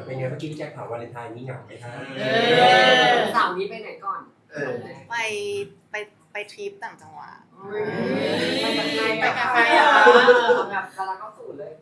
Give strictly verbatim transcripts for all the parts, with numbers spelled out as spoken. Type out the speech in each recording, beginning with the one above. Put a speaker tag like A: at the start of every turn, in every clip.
A: เป็นไงเมื่อกี้พี่แจ็คถามวาเลนไทน์นี้เหงาไหมคะ
B: สาวนี้ไปไหนก่อน
C: ไปไปไปทริปต่างจังหวัด
B: ไปกับใครไปกับใครอ่ะแบบกำลังก็สูดเลย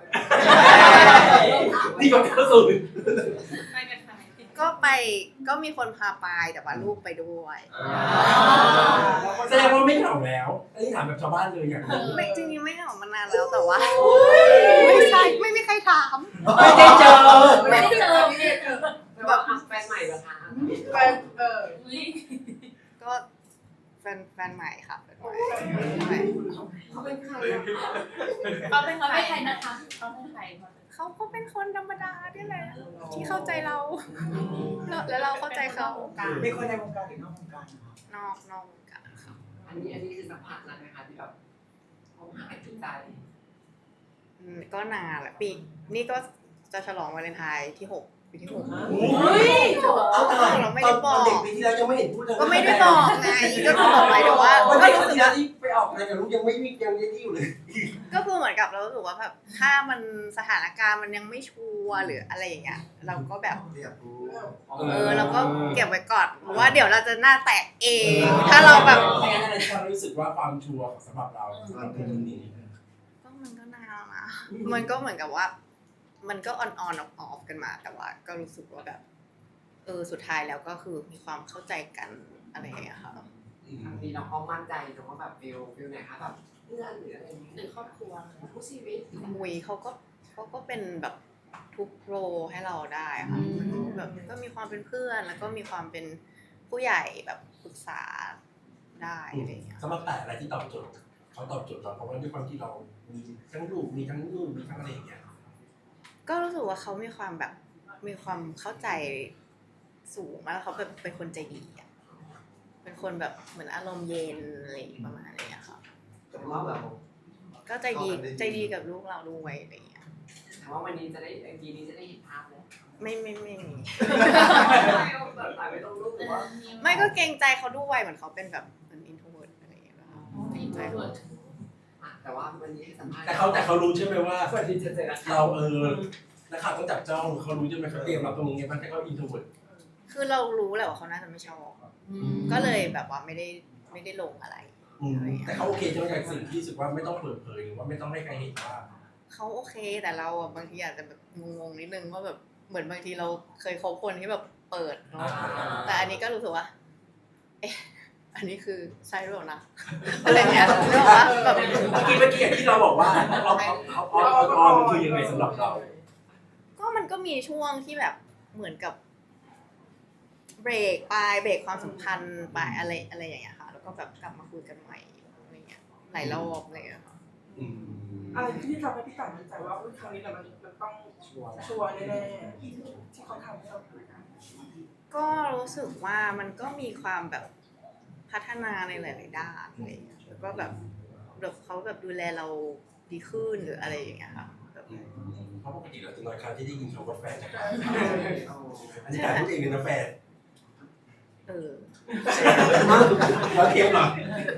A: นี่ก็เข้าสู่
C: ไปกับใครก็ไปก็มีคนพาไปแต่ว่าลูกไปด้วย
A: แสดงว่าไม่เหงาแล้วอันนี้ถามแบบชาวบ้านเลยอย่างนี้
C: ไม่จริงๆไม่เหงามานานแล้วแต่ว่าไม่ใช่ไม่มีใครถาม
A: ไม่ได้เจอ
B: ไม่ได้เจอแบบแฟนใหม่เหรอคะ
C: แฟนเออก็แฟนแฟนใหม่ค่ะแฟนใหม่
B: เขาเป็นใคร
C: เขาเป็นเขาเป็นใครนะคะเขาเป็นใครเขาก็เป็นคนธรรมดาที่แหละที่เข้าใจเราแล้วเราเข้าใจเขา
D: มีคนในวงการหรือนอกวงการ
C: นอกนอกวงการค่ะ
B: อันนี้อันนี้คือสัมผัสแล้วนะคะที่แบบเขาหายใจ
C: ก็นานแหละปีนี่ก็จะฉลองวาเลนไทน์ที่หกปีที่หก
A: เฮ้ย
C: เราไม่ได้บอก
A: เด็กปีที่แล้วยังไม่เห็นพูดเลย
C: ก็ไม่ได้บอกไงก็คือบอกไปแต่ว่า
A: ก็รู้สึกว่าที่ไปออกอะไรกับลูกยังไม่มียังยังที่อยู่เลย
C: ก็คือเหมือนกับเรารู้สึกว่าแบบถ้ามันสถานการณ์มันยังไม่ชัวร์หรืออะไรอย่างเงี้ยเราก็แบบเออเราก็เก็บไว้ก่อนเพราะว่าเดี๋ยวเราจะหน้าแตกเองถ้าเราแบบ
A: ไม่งั้นอะไรที่เรารู้สึกว่าความชัวร์สำหรับเราสำหรับคนนี้
C: ก็มันก็นานนะมันก็เหมือนกับว่ามันก็ออนออนออฟออฟกันมาแต่ว่าก็รู้สึกว่าแบบเออสุดท้ายแล้วก็คือมีความเข้าใจกันอะไรอย่างเงี้ยค่ะ
B: มีน้องเขามั่นใจน้องว่าแบบฟิลฟิลไหนคะแบบเพื่อนหรืออะไรอย่างนี้หรือครอบครัวผู้ชีวิต
C: มุยเขาก็เขาก็เป็นแบบทุกโรให้เราได้ค่ะแบบก็มีความเป็นเพื่อนแล้วก็มีความเป็นผู้ใหญ่แบบปรึกษาได้อะไรอย่างเงี้ย
A: สำหรับแต่อะไรที่ตอบโจทย์เขาตอบโจทย์เราเพราะว่าด้วยความที่เรามีทั้งลูกมีทั้งลูกมีทั้งอะไรอย่างเงี้ย
C: ก็รู้สึกว่าเขามีความแบบมีความเข้าใจสูงมากเขาแบบเป็นคนใจดีอ่ะเป็นคนแบบเหมือนอารมณ์เย็นอะไรประมาณนี้ค่ะ
B: แต่ว่าแบบ
C: ก็ใจดีใจดีกับลูกเราด้วยอะไรอย่างเงี้ย
B: แต่ว่าวันนี้จะได้ไอจีนี้จะได้เห็นภาพเลย
C: ไม่ไม่ไม่มี
B: ไ
C: ม่ก็เกรงใจเขาด้วยเหมือนเขาเป็นแบบเป็นอินโทรเวิร์ตอะไรอย่างเงี้ย
B: อินโทรเวิร์ตแต่ว่าวันนี้ให้สัมภาษณ์
A: แต่เขาแต่เขารู้ใช่ไหมว่าเราเออนักข่าวต้องจับจ้องเขารู้ใช่ไหมเขาเตรียมรับตรงนี้ไงมันแต่เขาอินโทรเวิร์ต
C: คือเรารู้แหละว่าเขาน่าจะไม่ชอบก็เลยแบบว่าไม่ได้ไม่ได้ลงอะไร
A: แต่เขาโอเคใช่ไหมกับสิ่งที่รู้สึกว่าไม่ต้องเปิดเผยหรือว่าไม่ต้องให้ใครเห็นว่า
C: เขาโอเคแต่เราอ่ะบางทีอาจจะแบบงงๆนิดนึงว่าแบบเหมือนบางทีเราเคยคบคนที่แบบเปิดเนาะแต่อันนี้ก็รู้สึกว่าเอ๊ะอันนี้คือใช่หรือเปล่านะอะไรเงี้ยเรื่องว่าแบบ
A: เมื่อกี้เมื่อกี้ที่เราบอกว่าเอาเอาเอาเอาออนมันคือยังไงสำหรับเรา
C: ก็มันก็มีช่วงที่แบบเหมือนกับเบรกไปเบรกความสัมพันธ์ไปอะไรอะไรอย่างเงี้ยค่ะแล้วก็แบบกลับมาคุยกันใหม่อะไรเงี้ยหลายรอบอะไรเงี้ยค่ะ
D: อะไรที่ทำให้พี่ต่างมั่นใจว่าครั้งนี้เรามันต้องชัวร์แน่ๆที่เขาทำให้เราคุยกัน
C: ก็รู้สึกว่ามันก็มีความแบบพัฒนาในหลายๆด้านอะไรเงี้ยแล้วก็แบบแบบเขาแบบดูแลเราดีขึ้นหรืออะไรอย่างเงี้ยค่ะ
A: เพราะปกติเราจะน้อยครั้งที่ได้ยินคำว่าแฟนจากเราอันนี้การพูดเองเลยนะแฟน
C: เออ
A: แล้วเทียบหรอ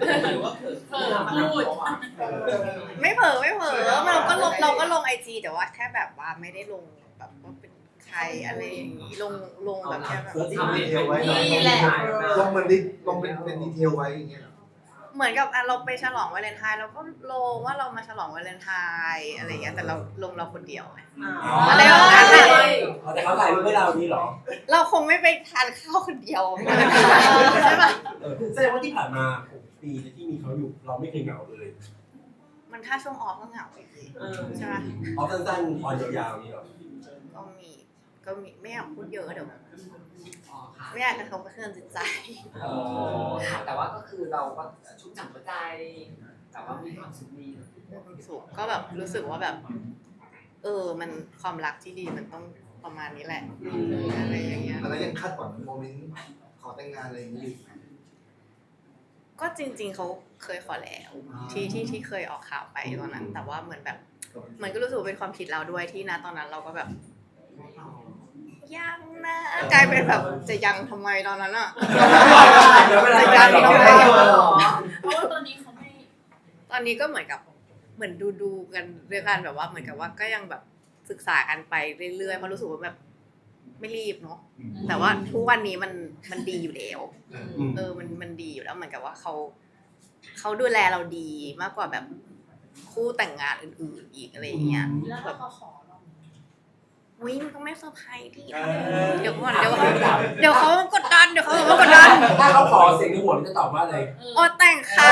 C: พูดไม่เผลอไม่เผลอเราก็ลงเราก็ลงไอจีแต่ว่าแค่แบบว่าไม่ได้ลงแบบว่าเป็นใครอะไรอย่างนี้ลงลงแบบแค่แบบ
E: นี่แหละลงมันดิลงเป็นเป็นดีเทลไว้อย่างเงี้ย
C: เหมือนกับเราไปฉลองวาเลนไทน์เราก็ลงว่าเรามาฉลองวาเลนไทน์อะไรอย่างเงี้ยแต่เราลงเราคนเดียวไงอะไรแบบนั้นเลย
A: แต่เขาถ่ายรูปให้เรานี่หรอ
C: เราคงไม่ไปทานข้าวคนเดียวใช่ป่ะ
A: แสดงว่าที่ผ่านมาหกปีที่มีเขาอยู่เราไม่เคยเหงาเลย
C: มันถ้าช่วงออฟก็เหงาไปใช่ไหม
A: ออฟสั้นๆออนยาวๆนี่หรอ
C: ก็มีก็มีไม่อยากพูดเยอะเดี๋ยวไม่อยากกระทบกระเทือนจิตใจ
B: แต่ว่าก็คือเราก็ชุ่มฉ่ำหัวใจแต่ว่ามีความสุขดี
C: ความสุขก็แบบรู้สึกว่าแบบเออมันความรักที่ดีมันต้องประมาณนี้แหละอะไรอย่างเงี้ย
E: แล้วยังคาดหวังโมเมนต์ขอแต่งงานอะไรอย่างนี้อยู่
C: ก็จริงๆเขาเคยขอแล้วที่ที่ที่เคยออกข่าวไปตอนนั้นแต่ว่าเหมือนแบบเหมือนก็รู้สึกว่าเป็นความผิดเราด้วยที่นะตอนนั้นเราก็แบบยังนะกลายเป็นแบบจะยังทำไมตอนนั้นอ่ะจะยังทำไมเพราะว่าตอนนี้เขาไม่ตอนนี้ก็เหมือนกับเหมือนดูดูกันเรื่องกันแบบว่าเหมือนกับว่าก็ยังแบบศึกษากันไปเรื่อยๆเพราะรู้สึกว่าแบบไม่รีบเนาะแต่ว่าทุกวันนี้มันมันดีอยู่แล้ว
A: อืม
C: เออมันมันดีอยู่แล้วเหมือนกับว่าเขาเขาดูแลเราดีมากกว่าแบบคู่แต่งงานอื่นๆอีกอะไรอย่างเงี้ย
F: แล้วถ้าเขาขอเรา
C: วิมันก็ไม่เซอร์ไพรส์ดิ
A: เออ
C: เดี๋ยวก่อนเดี๋ยวเขาเดี๋ยวเขากดดันเดี๋ยวเขากดดัน
A: ถ้าเขาขอเสียงในหัวมันจะตอบว่าอะไร
C: โอ้แต่งค่ะ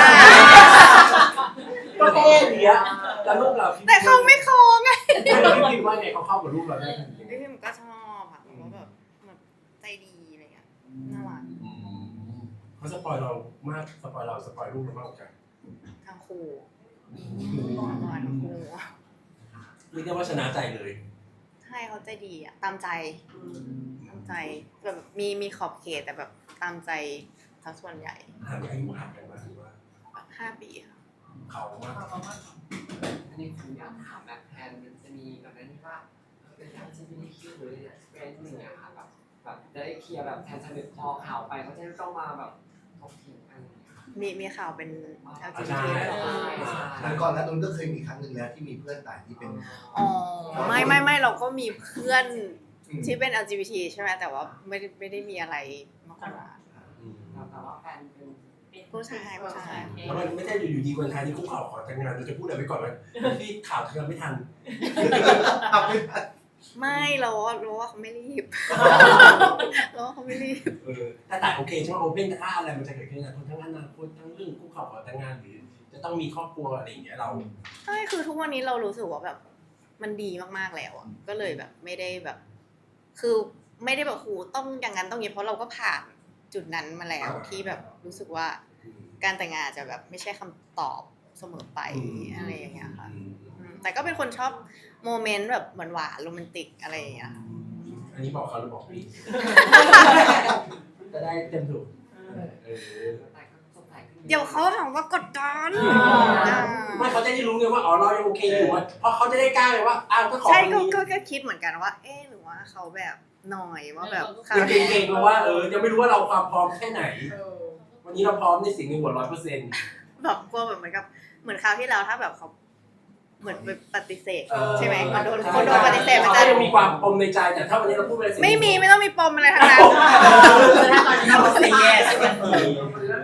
A: ก็เท่ดีอะแล้วลูกเรา
C: แต่เขาไม่ขอไง
A: พี่คิดว่าไงเขาเข้ากับลูกเราได้ทันที
C: พี่มันก็ชอบอะเพราะแบบแบบใจดีอะไรเงี้ยน่ารัก
A: อืมเขาสปอยเรามากสปอยเราสปอยลูกเรามากกว่ากัน
C: ทั้งคู่ทั้งคู่
A: เรียกได้ว่าชนะใจเลย
C: ใช่เขาใจดีอะตามใจตามใจแบบมีมีขอบเขตแต่แบบตามใจทั้งส่วนใหญ่
A: ห่างอายุห่างกันมาถือว่า
C: ห้าปีค่ะ
A: เขามาก
B: อันนี้ผมอยากถามแบบแทนมันจะมีแบบนั้นที่ว่าเป็น แอล จี บี ที คิว หรือเนี่ยเฟรนด์หนึ่งอะค่ะแบบแบบจะได้เคลียร์แบบแทนสนิทพอข่าวไปเขาจะไม่ต้องมาแบบถกเถียงกัน
C: มีมีข่าวเป็น แอล จี บี
A: ใช่
C: ที ด้วยเหรอ
B: ใช่
E: ครั้งก่อนหน้านั้นก็เคยมีครั้งหนึ่งแล้วที่มีเพื่อนต่างที่เป็น
C: อ๋อไม่ไม่ไม่เราก็มีเพื่อน
E: อืม
C: ที่เป็น แอล จี บี ที ใช่ไหมแต่ว่าไม่ได้ไม่ได้มีอะไรมากกว่า
A: อืม
B: แต่ว่าแฟนเป็น
C: ผู้ชายผู้ชาย
A: แล้วมันไม่ใช่อยู่ๆดีวันไทยนี่คุกเข่าขอแต่งงานเราจะพูดอะไรไว้ก่อนไหมที่ข่าวทำไม่ทัน
E: ทำไม่ได้
C: ไม่เราเราว่าเขาไม่รีบ เราว่าเขาไม่รีบ
A: เออแต่แต่โอเคใช่ไหมโอเพ่นถ้าอะไรมันจะเกิดขึ้นนะทั้งอนาคตทั้งเรื่องคุกเข่าขอแต่งงานหรือจะต้องมีครอบครัวอะไรอย่างเงี้ยเรา
C: ใช่คือทุกวันนี้เรารู้สึกว่าแบบมันดีมากๆแล้วอะก็เลยแบบไม่ได้แบบ คือไม่ได้แบบโหต้องอย่างนั้นต้องอย่างนี้เพราะเราก็ผ่านจุดนั้นมาแล้วที่แบบรู้สึกว่าการแต่งงานจะแบบไม่ใช่คำตอบเสมอไปอะไรอย่างเงี้ยค่ะ
A: อืม
C: อืมแต่ก็เป็นคนชอบโมเมนต์แบบหวานๆโรแมนติกอะไรอย่างเงี้ย
A: อันนี้บอกเขาหรือบอกพี่ จะได้เต็มถูกเออ
B: แต่ก็สดใสขึ้น
C: เดี๋ยวเขาถามว่ากดดัน
A: ไม่เขาจะได้รู้ไงว่าอ๋อเรายังโอเคอยู่ว่าเพราะเขาจะได้กล้าเลยว่าอ้าวก็ขอ
C: ใช่
A: คน
C: ก็
A: นี้
C: ก็ก็คิดเหมือนกันว่า เอ๊ะหรือว่าเขาแบบหน่อยว่าแบบ
A: ยังเก่งๆเพราะว่าเออยังไม่รู้ว่าเราความพร้อมแค่ไหน วันนี้เราพร้อมในสิ่งในหัวร้อยเปอร์เซ็นต์
C: แบบกลัวแบบเหมือนกับเหมือนคราวที่แล้วถ้าแบบเขาเหมือนไปปฏิเสธใช่ไหมคนโดนคนโดนปฏิเสธมัน
A: เขา
C: จะ
A: ยังมีความปมในใจแต่ถ้าวันนี้เราพูดไปเลย
C: ไม่มีไม่ต้องมีปมอะไรทั้งนั้น
F: ถ้าตอนนี้เราเป็นแย่ใช่ไหม
A: เออ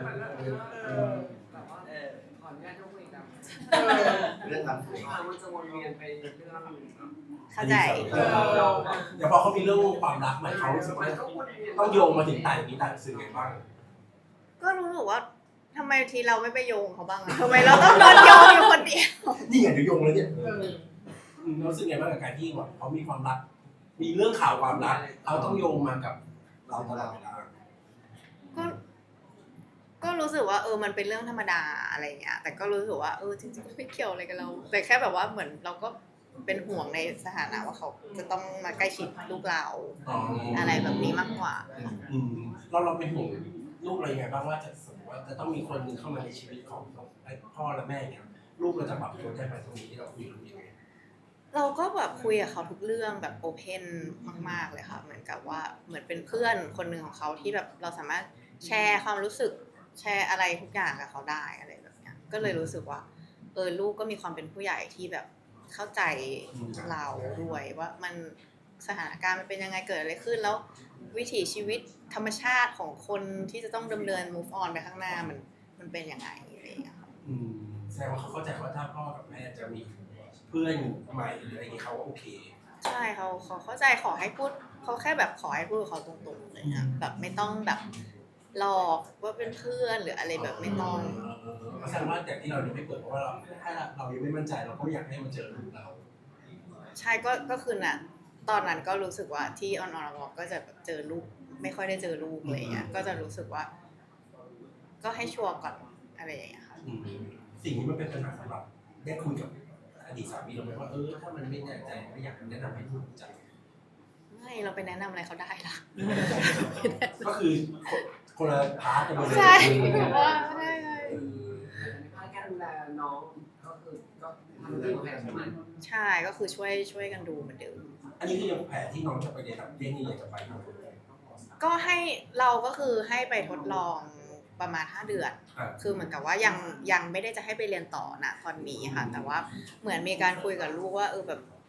B: แบบว่าขออนุญาตยกมืออีกแล้ว
E: เรื่องนั้น
B: มันจะวนเวียนไปเรื่อง
C: เข้าใจ
A: เออเดี๋ยวพอเขามีเรื่องความรักใหม่เขารู้สึกว่าต้องโยงมาถึงต่างนี้ต่างสื่อไงบ้าง
C: ก็รู้สึกว่าทำไมทีเราไม่ไปโยงเขาบ้างอะทำไมเราต้องโดนโยงอยู่คนเดียว
A: นี่ไงเดี๋ยวโยงเลยเนี่ยอืมรู้สึกไงบ้างกับการที่แบบเขามีความรัก มีเรื่องข่าวความรักเขาต้องโยงมากับเราตลอดเวลา
C: ก็ก็รู้สึกว่าเออมันเป็นเรื่องธรรมดาอะไรอย่างเงี้ยแต่ก็รู้สึกว่าเออจริงๆก็ไม่เกี่ยวอะไรกับเรา แต่แค่แบบว่าเหมือนเราก็เป็นห่วงในสถานะว่าเขาจะต้องมาใกล้ชิดลูกเรา
A: อ๋ออ
C: อะไรแบบนี้มากกว่า
A: อืมเราเราเป็นห่วงลูกเรายังไงบ้างว่าจะสมมติว่าจะต้องมีคนหนึ่งเข้ามาในชีวิตของพ่อและแม่เนี่ยลูกเราจะปรับตัวได้ไหมตรงนี้ที่เราคุยกันยังไง
C: เราก็แบบคุยกับเขาทุกเรื่องแบบโอเพนมากๆเลยค่ะเหมือนกับว่าเหมือนเป็นเพื่อนคนหนึ่งของเขาที่แบบเราสามารถแชร์ความรู้สึกแชร์อะไรทุกอย่างกับเขาได้อะไรแบบเนี้ยก็เลยรู้สึกว่าเออลูกก็มีความเป็นผู้ใหญ่ที่แบบเข้าใจเราด้วยว่ามันสถานการณ์มันเป็นยังไงเกิดอะไรขึ้นแล้ววิถีชีวิตธรรมชาติของคนที่จะต้องดำเนิน move on ไปข้างหน้ามันมันเป็นยังไงอะไรอย่างเงี้ยค่ะ
A: อืมแสดงว่าเขาเข้าใจว่าถ้าพ่อกับแม่จะมีเพื่อนใหม่หรืออะไรอย่างนี้เขาโอเค
C: ใช่เขาเขาเข้าใจขอให้พูดเขาแค่แบบขอให้พูดกับเขาตรงๆเลยนะแบบไม่ต้องแบบหลอกว่าเป็นเพื่อนหรืออะไรแบบไม่ต้อง
A: แสดงว่าแต่ที่เรายังไม่เปิดเพราะว่าเราถ้าเรายังไม่มั่นใจเราก็ไม่อยากให้มันเจอลูกเรา
C: ใช่ก็ก็คือน่ะตอนนั้นก็รู้สึกว่าที่ออนออนก็จะแบบเจอลูกไม่ค่อยได้เจอลูกอะไรเงี้ยก็จะรู้สึกว่า ก็ให้ชัวร์ก่อนอะไรอย่างเงี้ยค่ะ
A: อืมสิ่งนี้มันเป็นปัญหาสำหรับได้คุยกับอดีตสามีเราไหมว่าเออถ้ามันไม่แน่ใจไม่อยากแนะนำให้ลูกรู้จัก
C: ไม่เราไปแนะนำอะไรเขาได้ล่ะ
A: ก็คือคนละพาร์ทกันไปเลย
C: ใช่แบบว่าไม่ได้เลย
B: ภาคการดูแลน้องก็คือก็ทำดีแค่ประมาณ
C: ใช่ก็คือช่วยช่วยกันดูเหมือนเดิม
A: อันนี้คือยังแผนที่น้องจะไปเรียนต่างประเทศนี่อยากจะไปทำอะไร
C: ก็ให้เราก็คือให้ไปทดลองประมาณห้าเดือน
A: อ่า
C: คือเหมือนกับว่ายังยังไม่ได้จะให้ไปเรียนต่อนะตอนนี้ค่ะ แต่ว่าเหมือนมีการคุยกับลูกว่าเออแบบ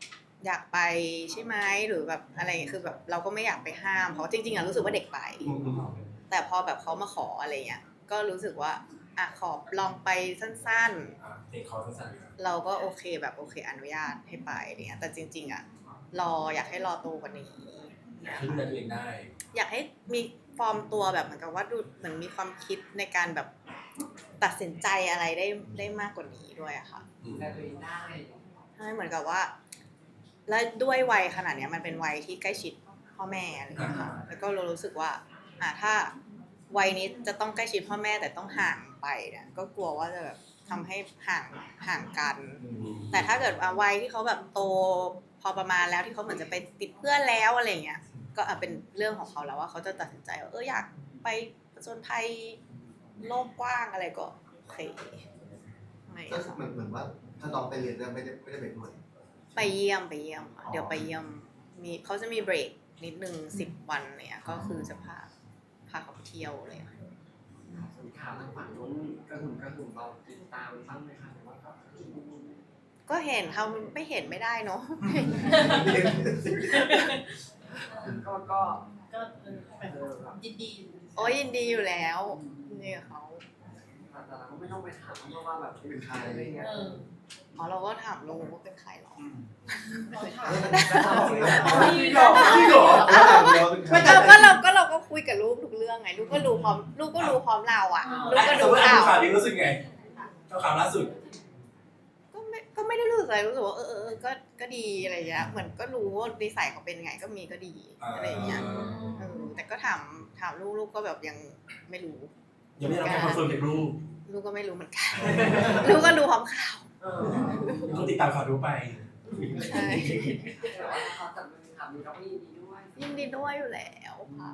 C: อยากไปใช่ไหมหรือแบบอะไรคือแบบเราก็ไม่อยากไปห้ามเพราะจริงๆอะรู้สึกว่าเด็กไป
A: อืมอืม
C: แต่พอแบบเขามาขออะไรเงี้ยก็รู้สึกว่าอ่ะขอลองไปสั้น
A: อ่ะเทคคอร์สั้นๆครับ
C: ๆ เราก็โอเคแบบโอเคอนุญาตให้ไปอะไรเงี้ยแต่จริง ๆอะรออยากให้รอโตกว่านี้
A: อยากให้ดูแลตัวเองได้
C: อยากให้มีฟอร์มตัวแบบเหมือนกับว่าดูเหมือนมีความคิดในการแบบตัดสินใจอะไรได้ได้มากกว่านี้ด้วยอะค่ะ
A: อืม
B: แต่ตัวเองได้
C: ใช่เหมือนกับว่า แล้วด้วยวัยขนาดเนี้ยมันเป็นวัยที่ใกล้ชิดพ่อแม่อะไรอย่างเงี้ยค่ะแล้วก็เรารู้สึกว่าอ่ะถ้าวัยนี้จะต้องใกล้ชิดพ่อแม่แต่ต้องห่างไปเนี่ยก็กลัวว่าจะแบบทำให้ห่างห่างกัน แต่ถ้าเกิดว่าวัยที่เขาแบบโตพอประมาณแล้วที่เขาเหมือนจะไปติดเพื่อนแล้วอะไรเงี้ยก็อ่ะเป็นเรื่องของเขาแล้วว่าเขาจะตัดสินใจว่าเอออยากไปผจญภัยโลกกว้างอะไรก็โอเคไม่
E: ก็เหมือนเหมือนว่าถ้าน้องไปเรียนแล้วไม่ได้ไม่ได้ไปด้วย
C: ไปเยี่ยมไปเยี่ยมค่ะเดี๋ยวไปเยี่ยมมีเขาจะมีเบรกนิดนึงสิบวันเนี่ยก็คือจะพาพาเขาไปเที่ยวเลยค่ะ
B: ส่วนข่าวทางฝั่งนู้นกระหึ่มกระหึ่มเราติดตามบ้างไหมคะหรือว่าก็
C: ก็เห็นทำไม่เห็นไม่ได้เนาะ
B: ก็ก็
F: ก็เออแบบยินดี
C: โอ้ยยินดีอยู่แล้วนี่กับเขา
B: แต่เราก็ไม่ต้องไปถามเพราะว่าแบบ
E: เป็นใคร
B: อะไรเงี้ย
F: เออ
C: อ๋อเราก็ถามลุงว่าเป็นใครหรอ
F: เราถาม
D: พี่หรอ
A: พี่เหรอ
C: ไม่เราก็เราก็เราก็คุยกับลูกทุกเรื่องไงลูกก็รู้พร้อมลูกก็รู้พร้อมเราอ่ะลูกก็
A: ส
C: ดู
A: มมติอ่า
C: ข่าน ว
A: ข่าวนี้รู้สึกไงข่าวล่าสุด
C: ก็ไม่ก็ไม่ได้รู้สึกอะไรรู้สึกว่าเออเออเออก็ก็ดีอะไรเงี้ยเหมือนก็รู้ว่านิสัยเขาเป็นไงก็มีก็ดีอะไรอย่างเงี้ยเออแต่ก็ถามถามลูกลูกก็แบบยังไม่รู้
A: ยังไม่ได้รับการคอนเฟิร์มจากลูก
C: ลูกก็ไม่รู้เหมือนกัน ลูกก็ดูพร้อมข่าว
B: เออ
A: ต้องติดตามข่าวดูไป
C: ใช่
B: แต่ว่าเขาจะมีข่าวนี้เราก็ยินดีด้วย
C: ยินดีด้วยอยู่แล้วค่ะ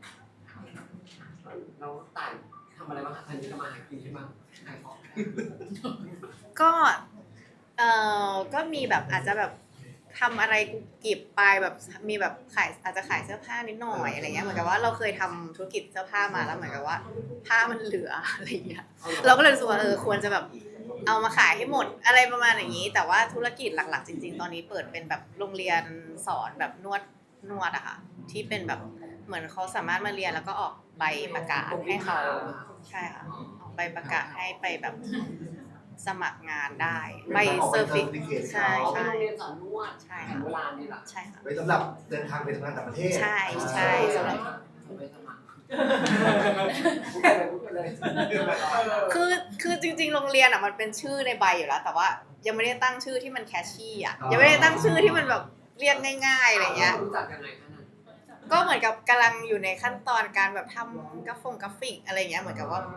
B: เราต่างทำอะไรบ้างคะทันทีก็มาหากินใช่ไหมขายของ
C: ก็เอ่อก็มีแบบอาจจะแบบทำอะไรกุบกิบไปแบบมีแบบขายอาจจะขายเสื้อผ้านิดหน่อยอะไรเงี้ยเหมือนกับว่าเราเคยทำธุรกิจเสื้อผ้ามาแล้วเหมือนกับว่าผ้ามันเหลืออะไรเงี้ยเราก็เลยรู้สึกว่าเออควรจะแบบเอามาขายให้หมดอะไรประมาณอย่างนี้ แต่ว่าธุรกิจหลักๆจริง ๆ ตอนนี้เปิดเป็นแบบโรงเรียนสอนแบบนวดนวดอะค่ะที่เป็นแบบเหมือนเขาสามารถมาเรียนแล้วก็ออกใบประกาศให้เขาใช่ค่ะออกใบประกาศให้ไปแบบสมัครงานได้ใบเซอร์ฟิกใช่
B: ใช่
C: ใช่
B: โรงเรียนสอนนวด
C: ใช่
B: แผน
C: ค่ะ
B: โบราณนี่แหละ
C: ใช่ค่ะ
E: ไว้สำหรับเดินทางไปทำงานต่างประเทศ
C: ใช่ใช่สำหรับ
B: ไปสมัครพูดไปเลยพูดไปเลย
C: คือคือจริงๆโรงเรียนอ่ะมันเป็นชื่อในใบอยู่แล้ว แต่ว่ายังไม่ได้ตั้งชื่อที่มันแคชชี่อ่ะยังไม่ได้ตั้งชื่อที่มันแบบเรียกง่ายๆอะไรเงี้ย
B: รู้จักยังไงคะนั่น
C: ก็เหมือนกับกำลังอยู่ในขั้นตอนการแบบทำกราฟงกราฟิกอะไรเงี้ยเหมือนกับว่าก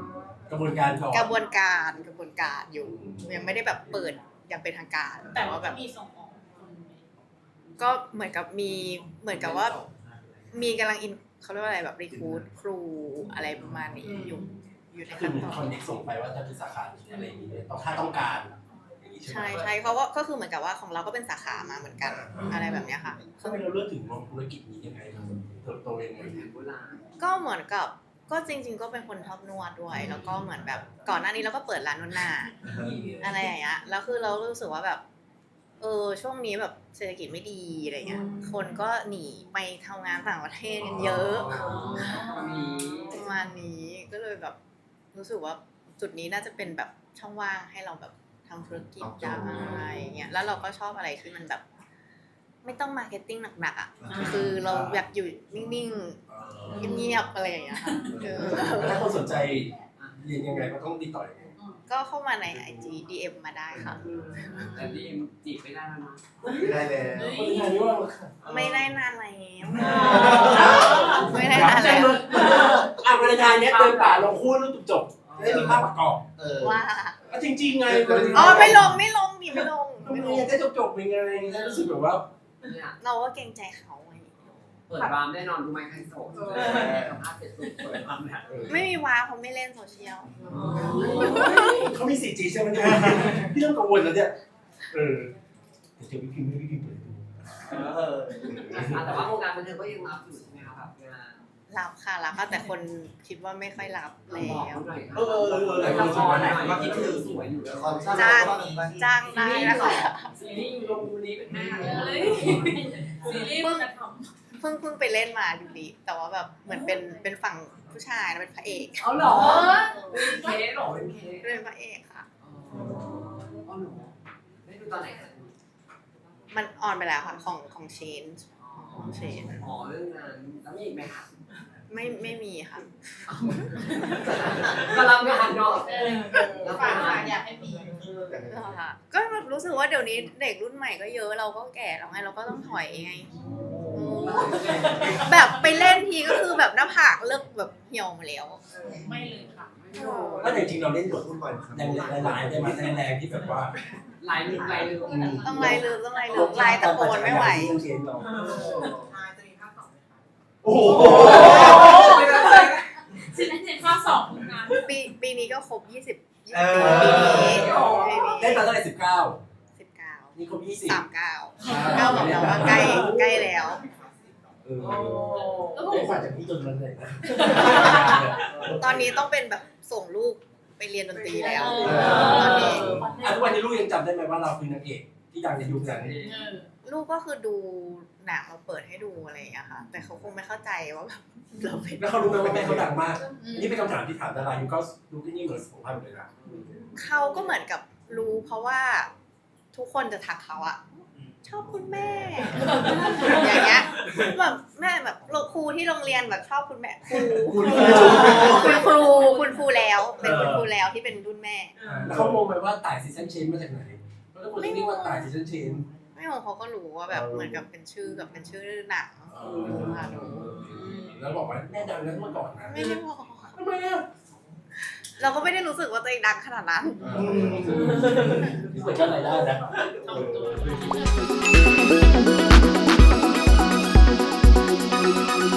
A: ระบวนการก่อน
C: กระบวนการกระบวนการอยู่ยังไม่ได้แบบเปิดอย่างเป็นทางการ
F: แต่
C: แต่
F: ว่า
C: ว่า
F: แบ
C: แบบ บ
F: มีส่งออก
C: ก็เหมือนกับมีเหมือนกับว่ามีกำลังอินเขาเรียกว่าอะไรแบบรีคูดครูอะไรประมาณนี้อยู่อยู่ใน
A: คือ
C: ขั้น
A: เหมือน
C: ตอ
A: คอน นเน็กส่งไปว่าจะเป็นสาขาอะไรอย่างนี้ต้องถ้าต้องการอย่างนี้ใช่ไหม
C: ใช่ใช่เพราะว่าก็คือเหมือนกับว่าของเราก็เป็นสาขามาเหมือนกันอะไรแบบเนี้ยค่ะ
A: ทำไมเราเลือกถึงมองธุรกิจนี้ยังไงครับเติบโตยังไง
B: แผนโบราณ
C: ก็เหมือนกับก็จริง ๆ ก็เป็นคนชอบนวดด้วย แล้วก็เหมือนแบบก่อนหน้านี้เราก็เปิดร้านนวดหน้าอะไรอย่างเงี้ยแล้วคือเรารู้สึกว่าแบบเออช่วงนี้แบบเศรษฐกิจไม่ดีอะไรเงี้ยคนก็หนีไปทำงานต่างประเทศกันเยอะ
B: มี
C: ประมาณนี้ก็เลยแบบรู้สึกว่าจุดนี้น่าจะเป็นแบบช่องว่างให้เราแบบทำธุรกิจได้อย่างเงี้ยแล้วเราก็ชอบอะไรที่มันแบบ ไม่ต้องมาร์เก็ตติ้งหนักๆอ่ะคือเราอยากอยู่นิ่งๆเงียบๆอะไรอย่างเงี้ยค่ะเออ
A: ถ้าคนสนใจเรียนยังไงก็ต้องติดต่อยังไง
C: ก็เข้ามาใน ไอ จี ดี เอ็ม มาได้ค่ะ
B: แต่ดีมจีบไม่ได้แล้วเนาะ
E: ไม่ได้แล้ว
A: คนไทยนี่ว่า
C: ไม่ได้นานแล้วไม่ได้นานแล้ว
A: อ่ะวันไทยเนี้ยเดินป่าลงคู่แล้วจบๆได้มีภาพประกอบ
E: เออ
C: ว่า
A: อ่ะจริงๆไง
C: อ๋อไม่ลงไม่ลงดิไม่ลง
A: ก็
C: ไม่
A: มี
C: ลง
A: ได้จบๆยังไงได้รู้สึกแบบว่า
B: เนี่ย
C: เราก็เกรงใจเขาไง
B: เปิดรามแน่นอนดูไหมใครโสดสัมภาษณ์เสร็จปุ๊บเปิดรามเนี่ย
C: ไม่มีว้าเขาไม่เล่นโซเชียล
A: เขามี สี่จี ใช่ไหมเนี่ยพี่ต้องกังวลแล้วเนี่ยเออเดี๋ยวเจอพี่พิมพ์ไม่พี่พิมพ์เปิดดู
B: แต่ว่าวงการบันเทิงก็ยังรับอยู่ใช่ไหมคะแบบงาน
C: รับค่ะรับค่ะแต่คนคิดว่าไม่ค่อยรับแล้
B: บอก
C: ว
B: เขาหน่อย
A: เออเออเออหลายคน
B: ละครหน่อยว่าคิดถึงสวยอยู่
E: ความสร้าง
C: จ้าง
E: บ้านบ้าน
C: จ้างได้นะคะ
B: ซีรีส์อยู่ลงนี้เป็นแม่เล
F: เฮ้
B: ย
F: ยซีรีส์มันจะท
C: เพิ่งเพิ่งไปเล่นมาดูดี แต่ว่าแบบเหมือนเป็นเป็นฝั่งผู้ชายนะเป็นพระเอก
B: เอาเหรอเป็นเคสหรอเป็นเคส
C: เป็นพระเอกค่ะ
B: อ๋อเหรอได้ดูตอนไหนคะ
C: มันออนไปแล้วค่ะของของเชนของเชน
B: อ๋อเรื่องนั้นแล้วมีอีกไหมคะ
C: ไม่ไม่มีค่ะ
B: กำลังงานเนาะ
F: ำเออฝากฝากอยากให้มี
C: ค่ะก็แบบรู้สึกว่าเดี๋ยวนี้เด็กรุ่นใหม่ก็เยอะเราก็แก่แล้วไงเราก็ต้องถอยไงอืมแบบไปเล่นทีก็คือแบบหน้าผากเลิกแบบเหี่ยวมาแล้ว
F: ไม่เลยค่ะ
A: ถ้าจริงๆเราเล่นบท
E: พูดบ่อยครับ
A: แรงๆหลายๆได้ไหมแรงๆที่แบบว่า
B: ลายลืมลายลืม
C: ต้องไล่ลืมต้องไล่ลืมไล่ตะโกนไม่ไหว
A: เรื่องเชนเรา
D: จะมีภาคสองไหมคะ
A: โอ้โห
F: ซีรีส์ภาคสองงาน
C: ปีปีนี้ก็ครบยี่สิบยี่
E: เอ
C: สิบ
E: อ
C: ปีนี้
A: เล่นมาตั้งแต่สิบเก้า
C: สิบเก้า
A: นี่ครบยี่สิบ
C: สามเก้าเก้าบอกแล้วว่าใกล้ใกล้แล้ว
A: เออเล่นกว่าจากพี่จนมันเลยนะ
C: ตอนนี้ต้องเป็นแบบส่งลูกไปเรียนดนตรีแล้ว
A: เอ
C: ตอนนี้
A: อ่ะทุกวันนี้ลูกยังจำได้ไหมว่าเราคือนางเอกที่ดังในยุคนั้น
F: เออ
C: ลูกก็คือดูหนังเราเปิดให้ดูอะไรอย่างเงี้ยค่ะ แต่เขาคงไม่เข้าใจว่าแบบเราเป็น
A: แล้วเขารู้ไหมว่าแม่เขาดังมาก นี่เป็นคำถามที่ถามดารายุคก็ดูที่นี่เหมือนสุขภาพเลยนะ
C: เขาก็เหมือนกับรู้เพราะว่าทุกคนจะทักเขาอะชอบคุณแม่ อย่างเงี้ยแบบแม่แบบครูที่โรงเรียนแบบชอบคุณแม่ครู
A: คุณ
C: คุณครูคุณครูแล้วเป็นคุณครูแล้วที่เป็นรุ่นแม่
A: แล้วเขางงไหมว่าต่ายซีซันเชนมาจากไหนเพราะทุกคนเรียกว่าต่ายซีซันเชน
C: ไม่งงเขาก็รู้ว่าแบบเหมือนกับเป็นชื่อกับเป็นชื่อหนังค่ะรู้
A: แล้วบอกว่าแม่ดังนั้นเมื่อก่อนนะ
C: ไม่ได้บอก
A: ทำไมอ่ะ
C: เราก็ไม่ได้รู้สึกว่าตัวเองดังขนาดนั้น
A: พี่เปิดอะไรได้นะ
F: ทำตัว